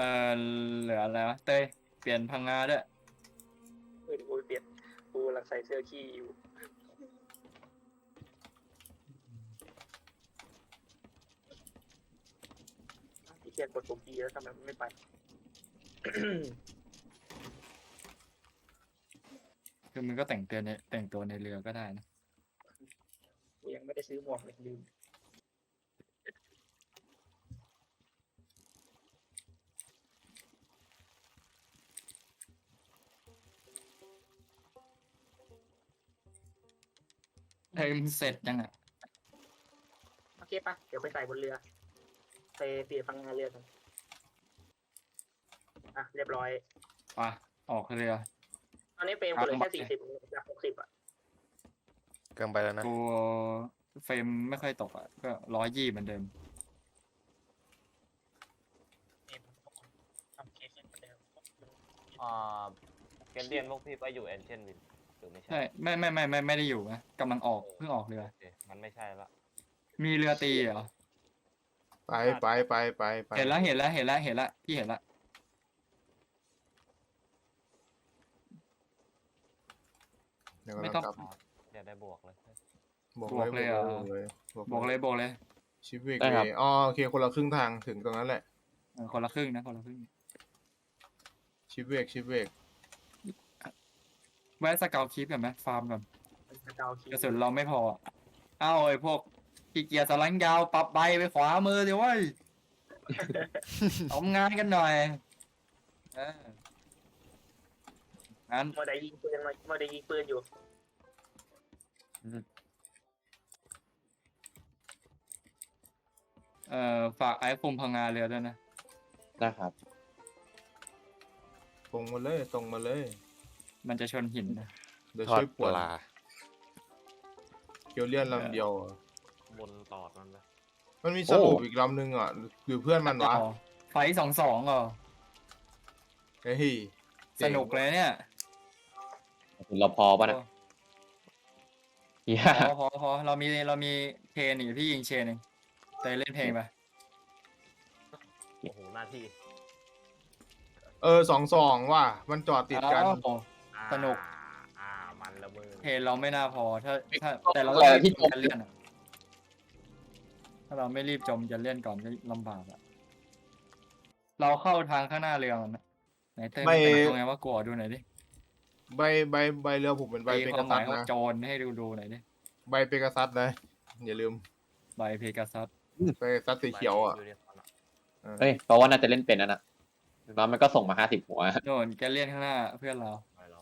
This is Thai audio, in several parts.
เหลืออะไรวะเต้ยเปลี่ยนพังงาด้วยกูเปลี่ยนกูกำลังใส่เสื้อขี้อยู่ที่เกียจกดปุ่ม E แล้วทำไมมันไม่ไปคือมันก็แต่งตัวในเรือก็ได้นะกูยังไม่ได้ซื้อหมวกเลยลืมเฮ้ยมันเสร็จยังอ่ะโอเคปะเดี๋ยวไปใส่บนเรือไปเปลี่ยนพังงาเรือกันอ่ะเรียบร้อยไปออกเรือตอนนี้เฟรมกูเหลือแค่40จาก60อ่ะเกินไปแล้วนะกูเฟรมไม่ค่อยตกอ่ะก็120เหมือนเดิมทำเคสเหมือนเดิมอ่าเกมเรียนพวกพี่ก็อยู่แอนเชนวินหรือไม่ใช่ใช่ไม่ได้อยู่นะกำลังออกเพิ่งออกเรือโอเคมันไม่ใช่ละมีเรือตีเหรอไปเห็นแล้วพี่เห็นละเดี๋ยวไม่กำต้ลัองงกลับอย่าได้บวกเลยบอกบวกเลยเหรอ บอกเลยชิปเวกเวย์อ๋อโอเคคนละครึ่งทางถึงตรงนั้นแหละคนละครึ่งนะคนละครึ่งชิปเวกแวะสเกลคลิปก่อนไหมฟาร์มก่อนเกาคีกระสุนเราไม่พออะเอ้าไอ้พวกขี้เกียจสลังยาวปรับใบไปขวามือดิเว้ย ทำงานกันหน่อยงั้นโมได้ยิงปืนโมได้ยิงปืนอยู่ฝากไอ้คุมพังงาเรือด้วยนะได้ครับตรงมาเลยมันจะชนหินนะเดี๋ยวทอดช่วยปปวดลาเกียวเลียนลำเดียวอะบนตอดมันเลยมันมีสรุปอีกลำหนึ่งอ่ะหรือเพื่อนมันวะไฟ2-2เหรอเฮ้ยสนุกเลยเนี่ยเราพอป่ะนะเฮียพอเรามีเชนอีกพี่ยิงเชนเองแต่เล่นเพลงไปโอ้โหหน้าที่ 2-2ว่ะมันจอดติดกันอ้าวสนุกมันละมือเพลงเราไม่น่าพอถ้าแต่เราอะไรต้องรีที่บจจมมจะเลื่อนอะถ้าเราไม่รีบจมจะเลื่อนก่อนก็ลำบากอะเราเข้าทางข้างหน้าเรือมันนะไหนเต้ยไม่มันเป็นตรงไงว่ากลัวดูหน่อยดิใบเรือผมเป็นใบตีเปควากัมสหซัมายสของนะโจรให้ดูหน่อยดิใบเปกัสซัสนะอย่าลืมใบเพกาซัสเปกัสซัสสีเขียวอ่ะเฮ้ยเพราะว่าน่าจะเล่นเป็นนั่นน่ะแล้วมันก็ส่งมา50 หัวโน่นแกเลียนข้างหน้าเพื่อนเราไปเรา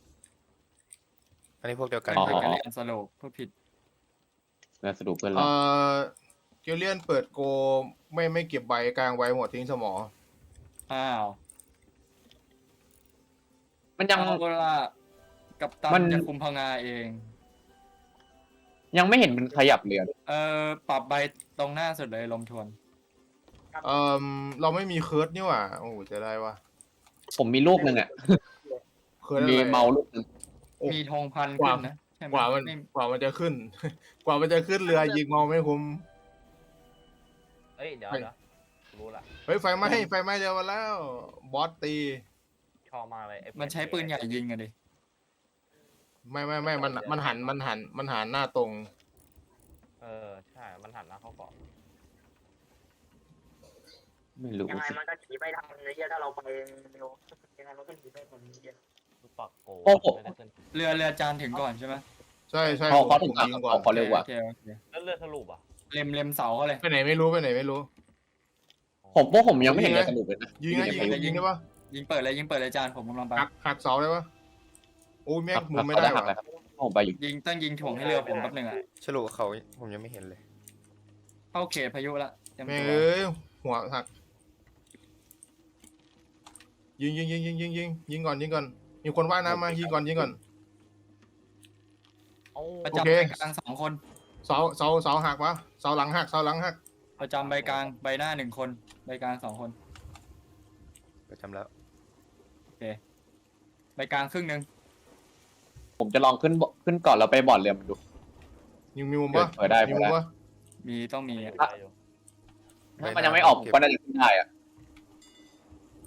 อันนี้พวกเดียวกันไม่เคยแกเลียนสโลปพูดผิดแล้วสรุปเพื่อนเอเราเกียวเลียนเปิดโกไม่เก็บใบกลางใบหมดทิ้งสมออ้าวมันยังเอาละกัปตัมัน นจะคุมพังงาเองยังไม่เห็นมันขยับเรือเลยปรับใบตรงหน้าสุดเลยลมทวนเราไม่มีเคิร์ดนี่หว่าโอ้โหจะได้วะผมมีลูกหนึ่งอ่ะเคิร์ดมีอะไรเมาลูกหนึ่งโอ้มีธงพันกว่าขึ้นนะใช่ไหมกว่ามันไม่กว่ามันจะขึ้น กว่ามันจะขึ้นเรือยิงมองไม่คุ้มเอ้ยเดี๋ยวรู้ละเฮ้ยไฟไหม้เร็วมาแล้ว บอสตีชอบมากเลยไอ้มันใช้ปืนใหญ่ยิงอะดิไม่มันหันหน้าตรงใช่มันหันหน้าเข้าเกาะไม่รู้ยังไงสิมันก็หนีไม่ทันเลยถ้าเราไปเร็วยังไงมันก็หนีไม่ทันเยอะลูกปักโกไม่ได้ขึ้นเรือจานถึงก่อนใช่ไหมใช่เขาผถึมงก่อนยิงก่อนเขาเร็วกว่าโอเคแล้วเลือดสรุปอ่ะเล็มเสาเขาเลยไปไหนไม่รู้ผมยังไม่เห็นเลยสรุปเลยนะยิงได้ปะยิงเปิดเลยจานผมกำลังไปหักเสาได้ปะโอ้ยแม่งมุมไม่เขาได้หักว่ะเลยครับผมไปอยู่ต้องยิงถ่วงให้เรือผมแป๊บหนึงอะฉลุเขาผมยังไม่เห็นเลยเข้าเขตพายุละเตรียมแม่งตัวเอ้ยหัวหักยิงก่อนมีคนว่ายน้ำมายิงก่อนประจำโอเคใบกลาง2 คนเสาหักวะเสาหลังหักประจำใบกลางใบหน้า1 คนใบกลาง2 คนประจำแล้วใบกลางครึ่งหนึงผมจะลองขึ้นก่อนแล้วไปบอร์ดเรือมันดูยิงมีมุมปะเปิดได้มีมุมปะต้องมีถ้ามันยังไม่ออกผมก็น่าจะขึ้นได้อะ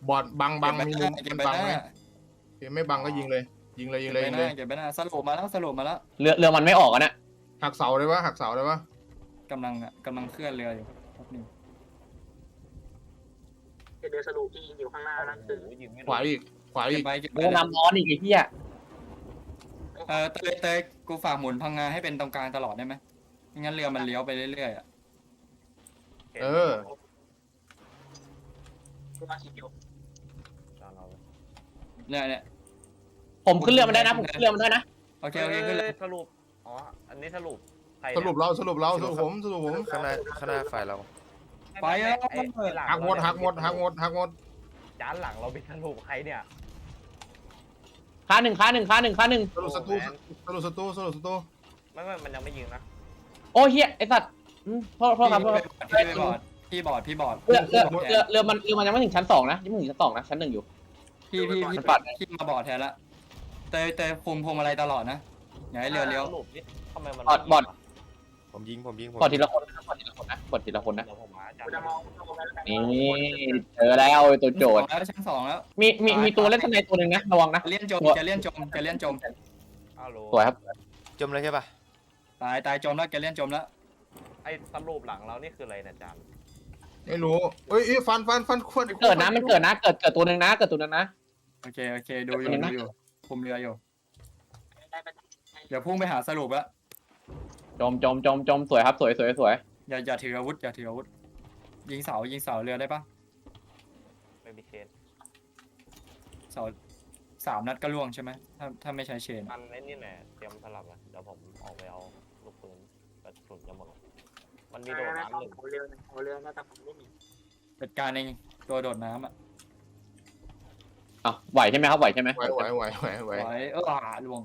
บอดบังมีมุมเก็มับนไปบังหไหมน้าโอเคไม่บังก็ยิงเลย ยิงเลยยิงเลยยิงเลยเก็บไปหน้าสรุปมาแล้วเรือมันไม่ออกอะนะหักเสาได้ปะหักเสาได้ปะกำลังเคลื่อนเรืออยู่แป๊บนึงเรือสรุปที่ยิงอยู่ข้างหน้านั่นคือโอ้โหยิงไม่โดขวาน อีกขวาเก็อีบกไปเก็บไปเรือน้ำร้อนอีกไอ้เหี้ยเตยกูฝากหมุนพังงาให้เป็นตรงกลางตลอดได้ไหมไม่งั้นเรือมันเลี้ยวไปเรื่อยๆอ่ะเออคือมาคิดอยู่ตามเราเนี่ยผมขึ้นเรือมันได้นะผมขึ้นเรือมันได้นะโอเคขึ้นเลยสรุปอ๋ออันนี้สรุปใครสเนี่ยรุปเราสรุปผมข้างหน้าฝ่ายเราไปแล้วไอ้หลังหักหมดจานหลังเราเป็นสรุปใครเนี่ยค่าหนึ่งสรุปศัตรูไม่มันยังไม่ยิงนะโอ้เหี้ยไอ้สัตว์โทษครับโทษพี่บอดเรือมันยังไม่ถึงชั้น 2นะยังไม่ถึงชั้น 2นะชั้น 1อยู่พี่มาบอดแทนละเตยคุมพวงมาลัยตลอดนะอย่าให้เรือเลี้ยวสรุปนี่ทำไมมันบอดผมยิงกดทีละคนนะกดทีละคนนะเดี๋ยวผมหาจานกูจะมองแล้วกันนี่เจอแล้วตัวโจทย์ชั้นสองแล้วมีตัวเล่นทนายตัวหนึ่งนะระวังนะจะเลี่ยนจมอ้าวโหลสวยครับจมเลยใช่ปะตายจมแล้วแกเลี่ยนจมแล้วไอ้สรุปหลังเรานี่คืออะไรนะจานไม่รู้เอ้ยฟันควรเกิดนะมันเกิดนะเกิดตัวหนึ่งนะโอเคดูอยู่คุมเรืออยู่เดี๋ยวพุ่งไปหาสรุปแล้วจมสวยครับสวยอย่าถืออาวุธยิงเสาเรือได้ปะไม่มีเชนเสา3 นัดก็ล่วงใช่ไหมถ้าไม่ใช้เชนมันไอ้นี่แหละเตรียมสลับอ่ะเดี๋ยวผมออกไปเอาลูกปืนกระสุนจะหมดมันมีโดดน้ำหนึ่งหัวเรือน่าจะผมไม่มีจัดการเองตัวโดดน้ำอ่ะอ่ะไหวใช่ไหมครับไหวใช่ไหมไหวไว้ล่วง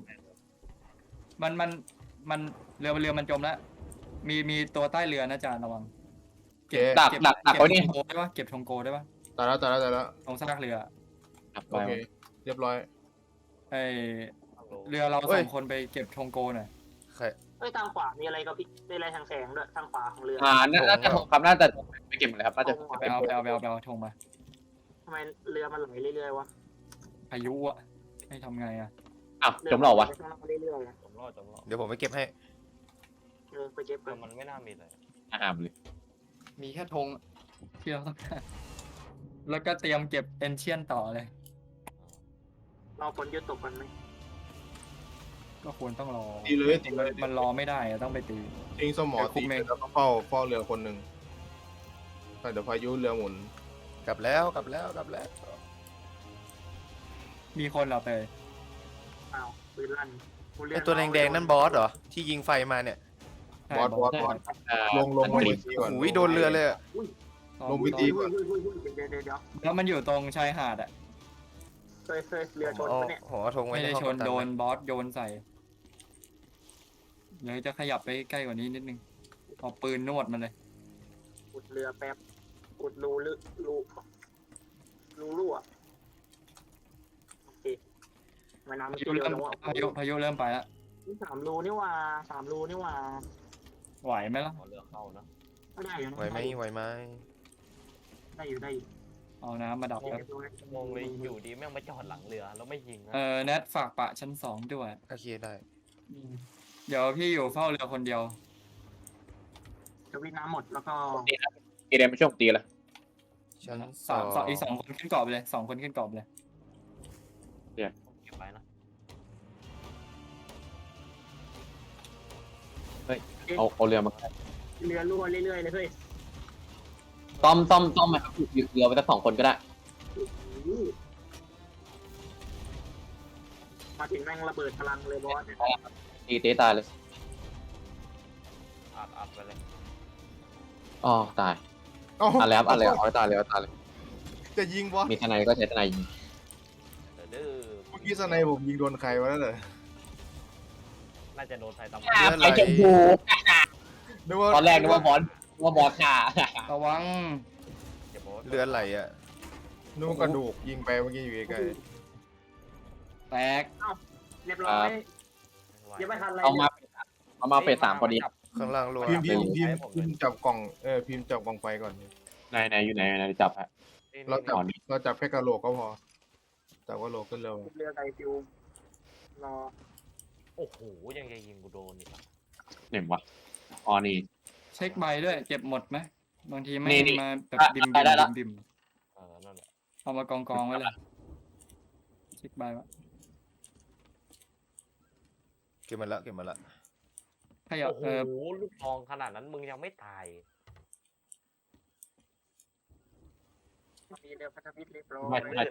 มันเรือมันจมแล้วมีตัวใต้เรือนะจานระวังดักไว้นี่ธงโกได้ปะเก็บธงโกได้ปะตายแล้วตรงซากเรือโอเคเรียบร้อยไอเรือเรา2 คนไปเก็บธงโกหน่อยใครเฮ้ยทางขวามีอะไรกับพี่มีอะไรทางแสงด้วยทางขวาของเรือน่าจะครับน่าจะไปเก็บหมดเลยครับน่าจะไปเอาธงมาทำไมเรือมันไหลเรื่อยๆวะพายุอ่ะให้ทำไงอ่ะอ้าวจมเหรอวะเรื่อยๆจมรอดเดี๋ยวผมไปเก็บให้ไปเก็บเออมันไม่น่ามีเลยห้ามเลยมีแค่ธงที่เราต้องการแล้วก็เตรียมเก็บเอนเชียนต่อเลยเราฝนหยุดตกกันไหมก็ควรต้องรอตีเลยมันรอไม่ได้อะต้องไปตีทิ้งสมอตีแล้วก็เฝ้าเรือคนหนึ่งเดี๋ยวพายุเรือหมุนกลับแล้วมีคนเราไปอ้าวปืนลั่นไอตัวแดงๆนั่นบอสเหรอที่ยิงไฟมาเนี่ยบอสลงบนตีก่อนโอ้ยโดนเรือเลยอะลงไปตีเดี๋ยวแล้วมันอยู่ตรงชายหาดอ่ะเคยเรือชนอ๋อปะเนี่ยผมเอาธงไว้ไม่ในได้ห้องชนกัปตัโดนนะบอสโยนใส่เดี๋ยวจะขยับไปใกล้กว่านี้นิดนึงเอาปืนนวดมันเลยอุดเรือแป๊บอุดรูอ่ะโอเคมาน้ำพาเร็ยุวเริ่มแล้วพายุเริ่มไปแล้ว 3 รูนี่ว่า3 รูนี่ว่าไหวไหมล่ะขอเลือกเข้านะก็ได้อยู่ไหวไหมได้อยู่เอาน้ำมาดับครับงงเลยอยู่ดีแม่งมาจอดหลังเรือแล้วไม่ยิงนะแนทฝากปะชั้น2ด้วยโอเคได้เดี๋ยวพี่อยู่เฝ้าเรือคนเดียวจะวิ่งน้ำหมดแล้วก็ตีแดงไปช่วงตีละชั้นอีก 2 คนขึ้นเกาะไปเลย2 คนขึ้นเกาะไปเลยเก็บไว้นะเอาเรือมาเรือรั่วเรื่อยๆเลยเฮ้ยต้อมไหมครับหยุดเรือไปสัก2 คนก็ได้มาถึงแม่งระเบิดพลังเลยบอสตีเตะตายเลยอัดไปเลยอ๋อตายอะไรครับอะไรเอาตายเลยจะยิงบอสมีทนายก็ใช้ทนายยิงเด้อเมื่อกี้สไนผมยิงโดนใครวะนั่นเลยน่าจะโดนไฟตำไปชมพู ตอนแรกนึกว่าบอสค่ะระวังเก็บโบสเรือไหลอ่ะนึกว่ากระดูกยิงไปเมื่อกี้อยู่ใกล้แตกเรียบร้อยยังไม่ทันอะไรเอามาเฟส 3พอดีข้างล่างรัวพิมพ์จับกล่องพิมพ์จับกล่องไฟก่อนไหนอยู่ไหนจับฮะนี่เราจับนี่เราจับแค่กระโหลกก็พอจับกระโหลกขึ้นเร็วเรือไกฟิวรอโอ้โหยังจะยิงกูโดนอีกอะไหนวะอ๋อนี่เช็คใบด้วยเก็บหมดไหมบางทีไม่นี่มาแบบอ่ะบิมได้ละบิมนั่นแหละเอามากองไว้เลยเช็คใบวะเก็บมาละเก็บมาละขยับโอ้โหลูกทองขนาดนั้นมึงยังไม่ตายมีเรือพันธมิตรเรียบร้อยไม่ไม่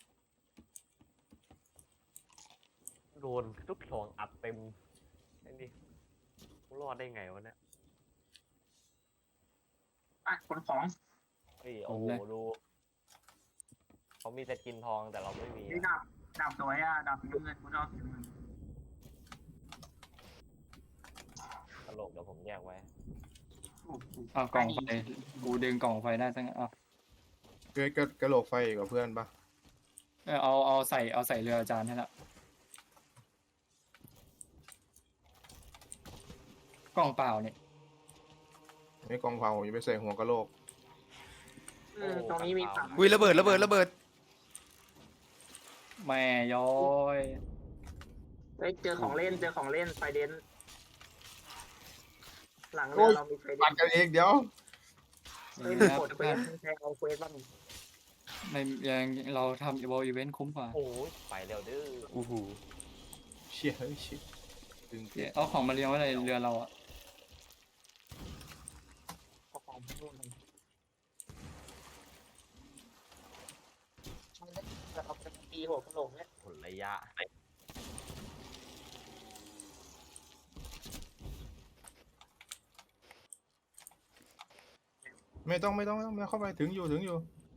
โดนลูกทองอัดเต็มไอ้นี่กูรอดได้ไงวะเนี่ยอ่ะขนของเฮ้ยโอ้โหดูเขามีแต่กินทองแต่เราไม่มีนี่อะดาบสวยอ่ะดาบสีน้ำเงินกูชอบสีน้ำเงินตลกเดี๋ยวผมแยกไว้เอากล่องไฟกูดึงกล่องไฟได้ตั้งเอาเฮ้ยกระโหลกไฟกับเพื่อนปะเอาใส่เรืออาจารย์ให้ละกล่องเปล่าเนี่ยไม่กองเผาอย่าไปใส่หัวกระโหลกตรงนี้มีถังอุ้ยระเบิดระเบิดระเบิดแม่ย้อยเฮ้ยเจอของเล่นไฟเดนหลังเรือเรามีไฟเดปัดนกันเองเดี๋ยวเฮ้ยนี่มีนะกดเควสใช้เอาเควสบ้างไม่ยังเราทำอีเวนต์คุ้มกว่าโอ้ยไปเร็วดื้ออู้หูเชี่ยเฮ้ยชิบดึงเอาของมาเลี้ยงไว้ในเรือเราอะเอาของไปนู่นเลยเราเอาไปตีหัวกระโหลกเนี่ยผลระยะไม่ต้องเข้าไปถึงอยู่